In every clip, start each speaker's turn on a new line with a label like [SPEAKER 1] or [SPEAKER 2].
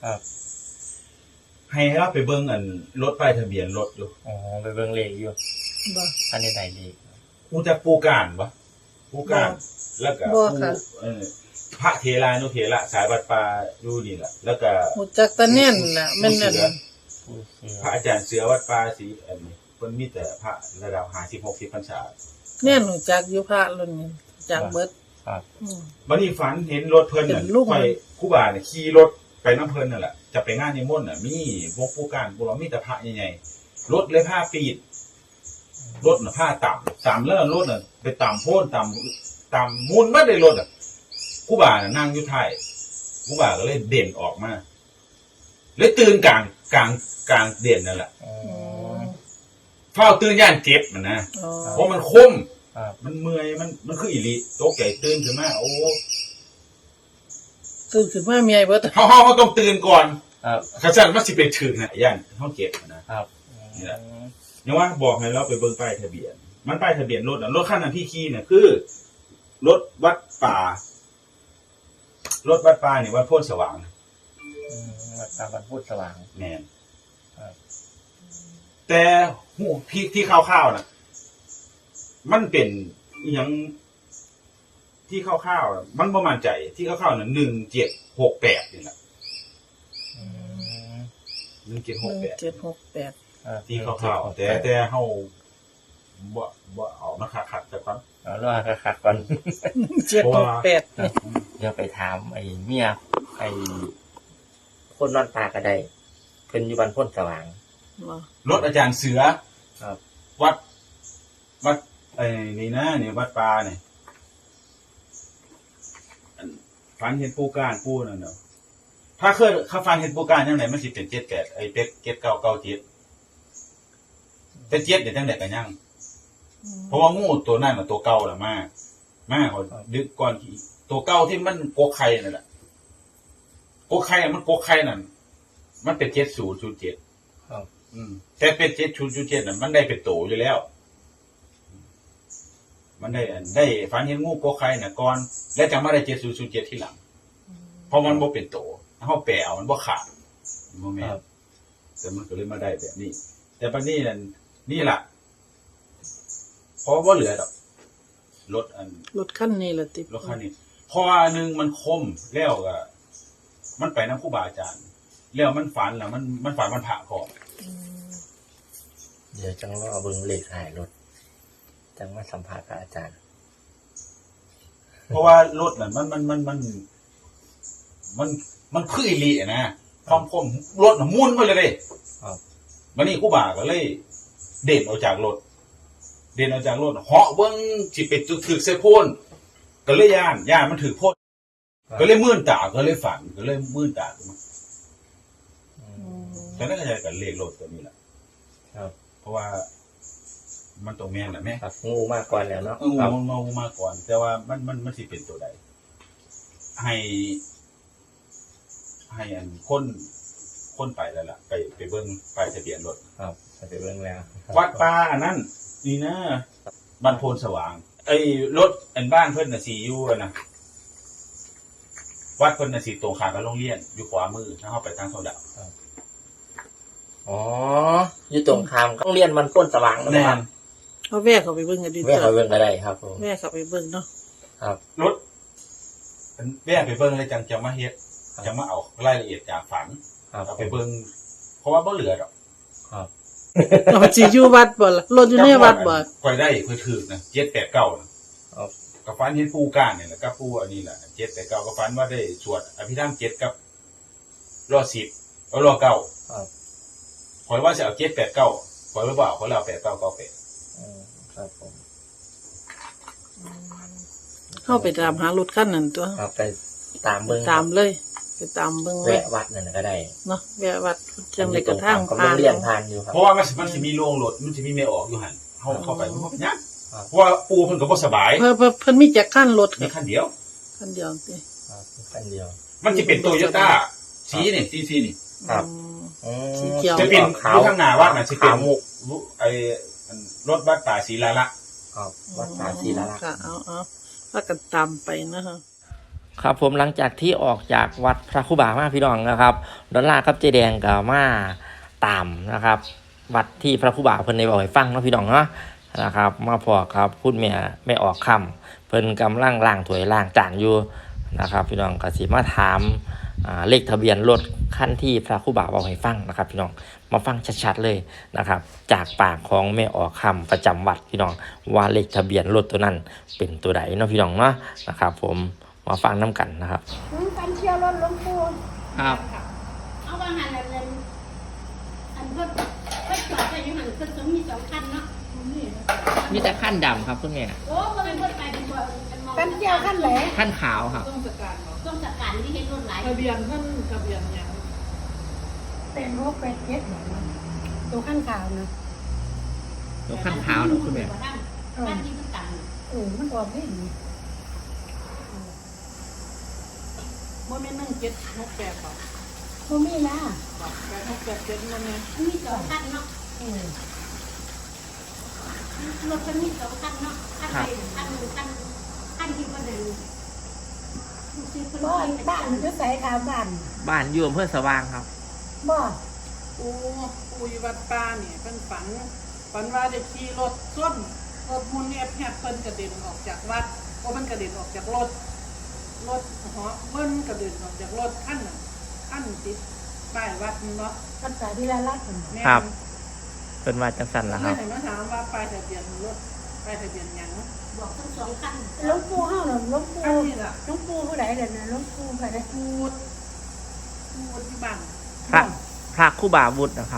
[SPEAKER 1] ครับ
[SPEAKER 2] ให้เราไปเบิ่งรถป้ายทะเบียนรถอยู่
[SPEAKER 1] อ๋อไปเบิ่งเลขอยู่
[SPEAKER 3] บ่
[SPEAKER 1] อันนี้ได้เลข
[SPEAKER 2] รู้จักปูการบ่ปูการแล้วก็พระเถรานุเถระสายวัดป่าอยู่นี่แหละแล้วก็
[SPEAKER 3] รู้จักตะแน่นน่ะแม่นนั่น
[SPEAKER 2] พระอาจารย์เสือวัดป่าศรีเพิ่นมีแต่พระระดับ50-60พรรษา
[SPEAKER 3] แน่นรู้จักอยู่พระรุ่นนี้จักเบิด
[SPEAKER 1] ครับ
[SPEAKER 2] บัดนี้ฝันเห็นรถเพิ่นน่ะไปครูบาเนี่ยขี่รถไปนำเพิ่นนั่นแหละจะไปงานนิมนต์น่ะมีวงปูการบ่มีแต่พระใหญ่ๆรถเลยผ้าปีดรถน่ะผ้าต่ำแล้วรถน่ะไปต่ำโพ่นต่ำมุนมาได้รถอ่ะครูบาน่ะนั่งอยู่ท้ายครูบาก็เลยเด่นออกมาเลยตื่นกลางเด่นนั่นแหละเฝ้าตื่นย่านเจ็บมันนะเพราะมันคมมันเมื่อยมันคืออีหลีโตแก่ตื่นขึ้นมาโอ้
[SPEAKER 3] ตื่นขึ้นมาเมียเบิด
[SPEAKER 2] เฮาต้องตื่นก่อนถ้าซั่นมันสิไปถึงน่ะย่านเฮาเจ็บนะครับนี่แหละยังว่าบอกให้เราไปเบิ่งป้ายทะเบียนมันป้ายทะเบียนรถรถคันนั้นที่ขี่เนี่ยคือรถวัดป่ารถวัดป่านี่วัดโพธิ์สว่าง
[SPEAKER 1] วัดป่าวัดโพธิ์สว่าง
[SPEAKER 2] แม่นแต่หูที่คร่าวๆน่ะมันเป็นอีหยังที่คร่าวๆมันบ่มั่นใจที่คร่าวๆน่ะ1768นี่แหละ1768ที่คร่าวๆแต่เฮาบ่เอามาคักๆแต่ก่อน
[SPEAKER 1] เอาล่ะคักๆก่อน
[SPEAKER 3] 768
[SPEAKER 1] เดี๋ยวไปถามไอ้เมียไอ้คนนอนตากระไดเพิ่นอยู่บ้านโพธิ์สว่าง
[SPEAKER 2] รถอาจารย์เสือ
[SPEAKER 1] ครับ
[SPEAKER 2] วัดนี่นะนี่วัดป่านี่ฝันเห็นปูการปูนั่นเนาะถ้าเคยเขาฝันเห็นปูการจังได๋มันสิเป็น78ไอ้เป็ด7997แต่7เนี่ยจังได๋ก็ยังเพราะว่างูตัวนั้นน่ะตัวเก่าล่ะมาเขาดึกก่อนตัวเก่าที่มันกกไข่นั่นแหละกกไข่มันกกไข่นั่นมันเป็น7007
[SPEAKER 1] ครับ
[SPEAKER 2] แต่เป็น7007น่ะมันได้เป็นโตอยู่แล้วมันได้ฝันเห็นงูกกไข่น่ะก่อนแล้วจังมาได้7007ทีหลังเพราะมันบ่เป็นโตเฮาแปลเอามันบ่ขาดบ่แม่นแต่มันก็เลยมาได้แบบนี้แต่บัดนี้นี่ล่ะเพราะว่าเหลือดอกรถ
[SPEAKER 3] คันนี้ล่ะติ
[SPEAKER 2] รถคันนี้เพราะว่านึงมันคมแล้วก็มันไปนำครูบาอาจารย์แล้วมันฝันแล้วมันฝันมันผ่าคอ
[SPEAKER 1] เดี๋ยวจังรอเบิ่งเลขท้ายรถจังมาสัมภาษณ์กับอาจารย์
[SPEAKER 2] เพราะว่ารถน่ะมันคืออีหลีนะความคมรถน่ะมุนมาเลยเด้
[SPEAKER 1] ครับ
[SPEAKER 2] บัดนี้ครูบาก็เลยเด่นออกจากรถเหาะเบิ่งสิไปถึกใส่โพนก็เลยย่านมันถึกโพนก็เลยมื่นตาก็เลยฝันก็เลยมื่นตาฉะนั้นก็จะกับเลขรถตัวนี้แหละ
[SPEAKER 1] ครับ
[SPEAKER 2] เพราะว่ามันต้องแม่นน่ะแม่
[SPEAKER 1] ครับงูมาก่อนแล้วเนาะ
[SPEAKER 2] งูมาก่อนแต่ว่ามันสิเป็นตัวใดให้คนไปแล้วล่ะไปเบิ่งป้ายทะเบียนรถ
[SPEAKER 1] ครับไปเบิ่งแล้ว
[SPEAKER 2] วัดป่าอันนั้นนี่นะบ้านโพนสว่างไอ้รถบ้านเพิ่นน่ะสิอยู่นะวัดเพิ่นน่ะสิตรงข้ามกับโรงเรียนอยู่ขวามือถ้าเฮาไปทางโซดา
[SPEAKER 1] อ๋ออยู่ตรงข้ามโรงเรียนมันโพนสว่าง
[SPEAKER 2] แม่น
[SPEAKER 3] เอาแวะเข้าไปเบิ่งกันดิ
[SPEAKER 1] แวะเข้าไปเบิ่งก็ได้ครับผม
[SPEAKER 3] แวะเข้าไปเบิ่งเนาะ
[SPEAKER 1] ครับ
[SPEAKER 2] รถแวะไปเบิ่งเลยจังจะมาเฮ็ดจะมาเอารายละเอียดจากฝันเอาไปเบิ่งเพราะว่าบ่เหลือดอก
[SPEAKER 1] ครับ
[SPEAKER 3] เราสิอยู่วัดบ่ล่ะรถอยู่ในวัดบ่
[SPEAKER 2] ค่อยได้ค่อยถึกนะ789นะครับก็ฝันเห็นปูก้านนี่แหละกับปูอันนี้แหละ789ก็ฝันว่าได้สวดอภิธรรม7กับรอ10แล้วรอ9
[SPEAKER 1] ครับ
[SPEAKER 2] ข่อยว่าสิเอา789ข่อยบ่เอาข่อยเอา8998
[SPEAKER 1] ครับผม
[SPEAKER 3] เข้าไปตามหารถคันนั้นตัว
[SPEAKER 1] ครับไปตามเบิ่ง
[SPEAKER 3] ตามเลยไปตามเบิ่ง
[SPEAKER 1] แวะวัดนั่นก็ได้
[SPEAKER 3] เนาะแวะวัดจังได๋ก็ทาง
[SPEAKER 1] ผ่านเรียนผ่านอยู่ครับ
[SPEAKER 2] เพราะว่ามันสิมีโรงรถมันสิมีแม่ออกอยู่หั่นเฮาเข้าไปมันบ่เป็นหยังเพราะว่าปูเพิ่นก็บ่สบาย
[SPEAKER 3] เพิ่นมีจักคันรถ
[SPEAKER 2] มีคันเดียว
[SPEAKER 3] ติ
[SPEAKER 1] คันเดียว
[SPEAKER 2] มันสิเป็น Toyota สีนี่สีนี่
[SPEAKER 1] ครับ
[SPEAKER 3] สีเขียว
[SPEAKER 2] จะเป็นอยู่ข้างหน้าวัดน่ะสิเป็นไอ้รถบัสป่าศรีลาลักษณ์
[SPEAKER 1] ครับวัดป่าศรีลาลักษณ์
[SPEAKER 3] ค่ะเอาพากันตามไปนะคะ
[SPEAKER 1] ครับผมหลังจากที่ออกจากวัดพระครูบามาพี่น้องนะครับดอลลาร์กับเจแดงกับมาตามนะครับวัดที่พระครูบาเพิ่นได้บอกให้ฟังเนาะพี่น้องเนาะนะครับมาพอครับพูดแม่ไม่ออกคำเพิ่นกำลังล้างถ้วยล้างจานอยู่นะครับพี่น้องก็สิมาถามเลขทะเบียนรถคันที่พระครูบาบอกให้ฟังนะครับพี่น้องมาฟังชัดๆเลยนะครับจากปากของแม่ออกคำประจำวัดพี่น้องว่าเลขทะเบียนรถตัวนั้นเป็นตัวใดเนาะพี่น้องเนาะนะครับผมมาฟังน้ำกันนะครับ
[SPEAKER 4] กันเที่ยวรถหลวงปู่
[SPEAKER 1] ครับ
[SPEAKER 4] เอาว่าหันอันเพิ่นจอดไปอยู่หันเพิ่นสมมี2คันเนาะ
[SPEAKER 1] มีแต่ขั้นดำครับคุณแม่
[SPEAKER 4] โอ้บ่เป็นเพิ่นไปเป็นบ่กันเที่ยวคันไหน
[SPEAKER 1] ขั้นขาวครับ
[SPEAKER 5] ต้องจัดการเนาะ
[SPEAKER 4] ต้องจัดการที่เห็นรถหลาย
[SPEAKER 5] ทะเบียนท่านทะเบียนอย่าง
[SPEAKER 4] เป็นรถเป็นเจ็ดตัวขั้นขาวนะ
[SPEAKER 1] ตัวขั้นขาวเนาะคุณแม่
[SPEAKER 4] บ้านที่มันกันมันออกนี่
[SPEAKER 5] โมเมนต์1768ป่ะ
[SPEAKER 4] บ่มีนะ
[SPEAKER 5] 867มันเนี่ย
[SPEAKER 4] มันมี2คันเนาะรถมันมี2คันเนาะคันใดคันหนึ่งคันที่บ่ได้บ้านอยู่ไสขาวบ้าน
[SPEAKER 1] บ้านอยู่อำเภอสว่างครับ
[SPEAKER 4] บ่
[SPEAKER 5] ปูอยู่วัดป่าเนี่ยเพิ่นฝันว่าได้ขี่รถส้นรถมุนเนี่ยแพบเพิ่นกระเด็นออกจากวัดเพราะมันกระเด็นออกจากรถเหาะเบิ้นกระเด็นออกจากรถขั้นติดป้ายวัดเนาะ
[SPEAKER 4] ภาษาที่ละลัด
[SPEAKER 5] แม่
[SPEAKER 1] ครับ เป็นว่าจังสันละค
[SPEAKER 5] ไม่
[SPEAKER 1] รับ
[SPEAKER 5] เห็นมาถามว่าป้ายทะเบียนรถป้ายทะเบียนหยัง
[SPEAKER 4] บอกทั้ง2คันหลวงปู่เฮาน่ะหลวงปู่
[SPEAKER 5] อันนี้ล่ะ
[SPEAKER 4] หลวงปู่ผู้ใดเด้อนะหลวงปู่ผู้ใด
[SPEAKER 5] พูดที่บ้าน
[SPEAKER 1] พระครูบาวุฒินะครับ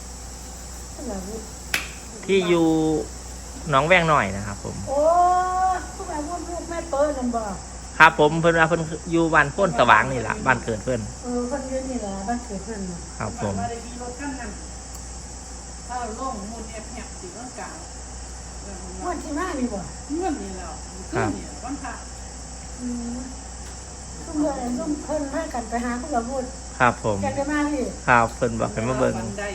[SPEAKER 1] ที่อยู่หนองแวงหน่อยนะครับผม
[SPEAKER 4] โอ้ผู้ใดพูดลูกแม่เปิ้ลนั่นบ่
[SPEAKER 1] ครับผมเพิ่นว่าเพิ่นอยู่บ้านโพ้นสว่างนี่แหละบ้านเกิดเพิ่น
[SPEAKER 4] เพิ่นอยู่นี่ล่ะบ้านเกิดเพิ่นน่ะ
[SPEAKER 1] ครับผม
[SPEAKER 5] ว่าได้ขี่รถขั้นนั้นถ้าล่องมุนแอบสีร่างกาย
[SPEAKER 4] วันที่มานี่บ่
[SPEAKER 5] เงื่อนนี่แล้วขึ้นเนี่ยวันพระ
[SPEAKER 4] ทุกเมื่อทุกเพิ่นพากันไปหาผู้ใดพูด
[SPEAKER 1] ครับผม
[SPEAKER 4] กันได้มาพี่
[SPEAKER 1] ครับเพิ่นบอกให้มาเบิ่ง
[SPEAKER 5] ได้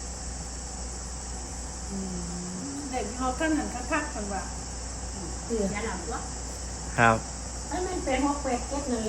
[SPEAKER 5] เด็กเขาขั้นนั้นคักๆกันว่า
[SPEAKER 4] เสียอย่าหลับวะ
[SPEAKER 1] ครับ
[SPEAKER 4] ไอ้มันเป็น6 8 7นั่นแหละ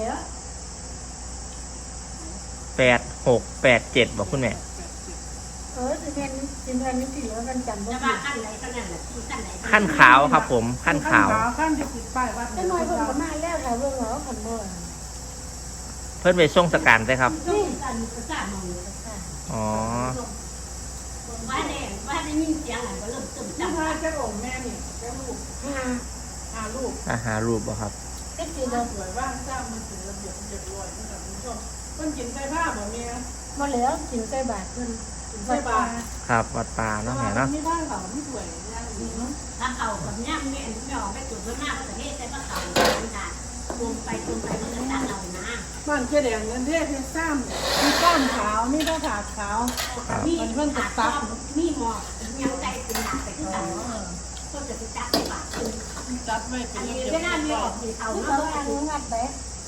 [SPEAKER 1] 8687บอกคุณแม่
[SPEAKER 4] สิเป็นนี่สิแล้วกันจำบ่ได้ขั้นไหนขั้นนั้นน่ะที่ขั้นไหน
[SPEAKER 1] ขั้นขาวครับผมขั้นขาว
[SPEAKER 5] ขั้นที่ติดป้ายวัด
[SPEAKER 4] แต่น้อยเพิ่นก็มาแล้วค่ะเบิ่งเหรอคันบ่
[SPEAKER 1] เพิ่นไปส่งสการใช่ครับ
[SPEAKER 4] นี่กันประสาทมองประสาท
[SPEAKER 1] อ๋อ
[SPEAKER 4] ว่าได้ยินเสียงก็เริ่มตึม
[SPEAKER 5] ที่
[SPEAKER 4] จัง
[SPEAKER 5] พาเจ้าองค์แม่เนี่ยเจ้าลูก
[SPEAKER 4] หา
[SPEAKER 5] ลูก
[SPEAKER 1] หารูปบ่ครับ
[SPEAKER 4] เด็กสิเด้อ
[SPEAKER 5] สวยว่างสร้างมันถึงระเบียบเรียบร้อยนะครับคุณผู้ชมเพิ่นกินใส่ผ้าบ่เมีย
[SPEAKER 4] บ่แล้วกินใส่บาตรเพิ่น
[SPEAKER 5] กินใส่บาตร
[SPEAKER 1] ครับวัดป่าเนาะแม่เนาะ
[SPEAKER 5] ไม่ได้ค่ะไม่สวยย่างดีเนาะ
[SPEAKER 4] ถ้าเอาแบบนี้ไม่ออกไปจุดเพิ่นมาประเทศใส่บ่เขามันได้รวมไปมันก็ตัดเอานะ
[SPEAKER 5] บ้านเจ๊แดงเงินเทศเป็นซ้ำมีก้านขาวมีหน้าผากขาว
[SPEAKER 4] มีเพิ่นตัดมีหมอกยังใจเป็นหนักไปคือกันก็จะไปจับไปบาตร
[SPEAKER 5] จัดไว้เป็
[SPEAKER 4] อั
[SPEAKER 5] น
[SPEAKER 4] น
[SPEAKER 5] ระ
[SPEAKER 4] นี้
[SPEAKER 5] เบียบ
[SPEAKER 4] ไม่น่ามีออกสีเทาเนาะอันนี้งัดไป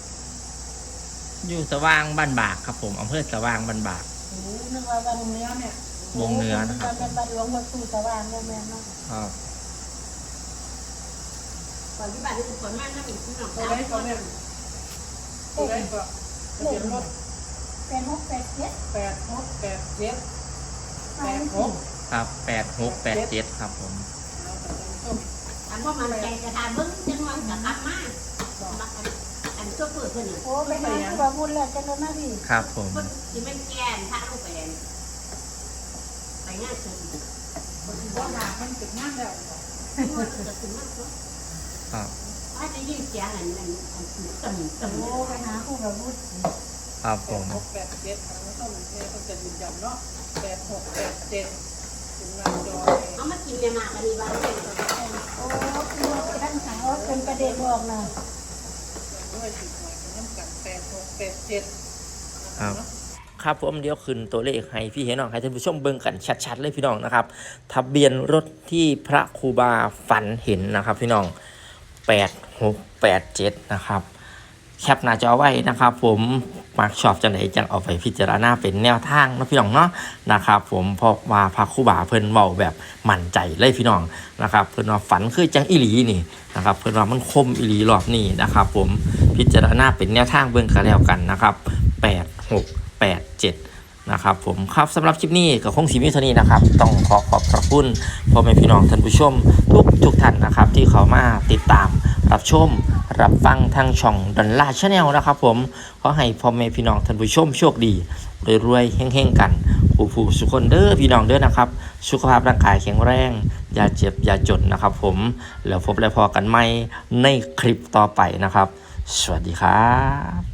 [SPEAKER 1] อยู่สว่างบ้านบากครับผมอำเภอสว่างบ้านบาก
[SPEAKER 4] นึกว่าวัน
[SPEAKER 5] เนื้อเนี่ย
[SPEAKER 1] วงเนื้อนะครับ
[SPEAKER 4] เป็นบัตรหลวงวัดสู่สว่างโมเมนต์เนาะ
[SPEAKER 1] ครับ
[SPEAKER 4] ก่อนที่บัตรจะผลมากถ้ามีที่หนอง
[SPEAKER 5] ตัว
[SPEAKER 4] ตา
[SPEAKER 5] ไหนก็เนี่ยตัวไหนก็ทะเบียนรถ
[SPEAKER 4] เป็น6 8 7
[SPEAKER 5] 8687 86
[SPEAKER 1] ครับ8687ครับผม
[SPEAKER 4] อันว่ามันใจจะทาบึ้งจังหวะจะกลับมาอันก็เปิดเพิ่นโอ้ไปหาผู้บาบุญแล้วจังเลยนะพี่
[SPEAKER 1] ครับผม
[SPEAKER 4] คนที่เป็นแกนถ้าลูกไปเรียนไปงานสุด
[SPEAKER 5] คนที่ว่าหามันติดงานแล้ว
[SPEAKER 4] ว่าจะถึงมากกว่า
[SPEAKER 1] ครับ
[SPEAKER 4] ว่าจะยิ่งเสียงอันต่ำ
[SPEAKER 5] โอ้ไปหาผู้กับผู้
[SPEAKER 1] ครับผม
[SPEAKER 5] 8687ทางผู้ชมเนี่ยต้องจะยืนยันเนาะ8687ถึงงานจอ
[SPEAKER 4] เขามากินเนี่ยมากันดีว่าเป็นโอ้ท่านสาวเป็นประเด็นบอกนะ
[SPEAKER 5] ด้วยสิหน่อยน้ำกัน8687
[SPEAKER 1] ครับครับผมเดี๋ยวขึ้นตัวเลขให้พี่เห็นน้องให้ท่านผู้ชมเบิ่งกันชัดๆเลยพี่น้องนะครับทะเบียนรถที่พระครูบาฝันเห็นนะครับพี่น้อง8687นะครับแคปหน้าจอไว้นะครับผมมักชอบจังไหนจังเอาไปพิจารณาเป็นแนวทางนะพี่น้องเนาะนะครับผมเพราะว่าพระครูบาเพิ่นเว้าแบบมั่นใจเลยพี่น้องนะครับเพิ่นว่าฝันคือจังอีหลีนี่นะครับเพิ่นว่ามันคมอีหลีรอบนี้นะครับผมพิจารณาเป็นแนวทางเบิ่งกันแล้วกันนะครับ8687นะครับผมครับสำหรับคลิปนี้ก็คงสิมีเท่านี้นะครับต้องขอบพระคุณพ่อแม่พี่น้องท่านผู้ชมทุกท่านนะครับที่เข้ามาติดตามรับชมรับฟังทางช่องดอลลาร์ชาแนลนะครับผมขอให้พ่อแม่พี่น้องท่านผู้ชมโชคดีรวยๆเฮงๆกันผู้สุขคนเด้อพี่น้องเด้อนะครับสุขภาพร่างกายแข็งแรงอย่าเจ็บอย่าจนนะครับผมแล้วพบและพอกันใหม่ในคลิปต่อไปนะครับสวัสดีครับ